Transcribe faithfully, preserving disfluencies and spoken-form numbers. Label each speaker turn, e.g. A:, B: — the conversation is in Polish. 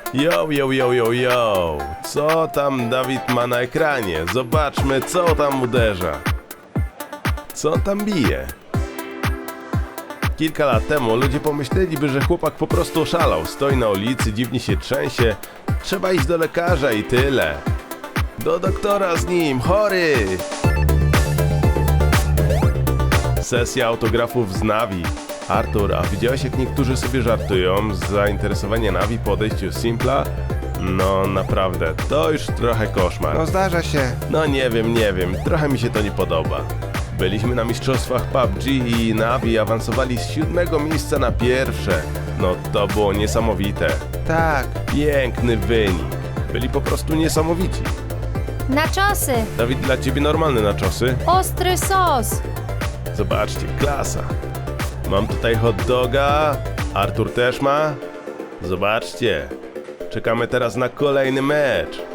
A: Yo, yo, yo, yo, yo. Co tam Dawid ma na ekranie? Zobaczmy, co tam uderza. Co on tam bije? Kilka lat temu ludzie pomyśleliby, że chłopak po prostu oszalał. Stoi na ulicy, dziwnie się trzęsie. Trzeba iść do lekarza i tyle. Do doktora z nim, chory! Sesja autografów z Navi. Artur, a widziałeś, jak niektórzy sobie żartują z zainteresowania Navi po odejściu z Simpla? No naprawdę, to już trochę koszmar.
B: No zdarza się.
A: No nie wiem, nie wiem, trochę mi się to nie podoba. Byliśmy na mistrzostwach P U B G i Navi awansowali z siódmego miejsca na pierwsze. No to było niesamowite.
B: Tak.
A: Piękny wynik. Byli po prostu niesamowici.
C: Naczosy!
A: Dawid, dla ciebie normalne naczosy?
C: Ostry sos!
A: Zobaczcie, klasa. Mam tutaj hot doga. Artur też ma. Zobaczcie. Czekamy teraz na kolejny mecz.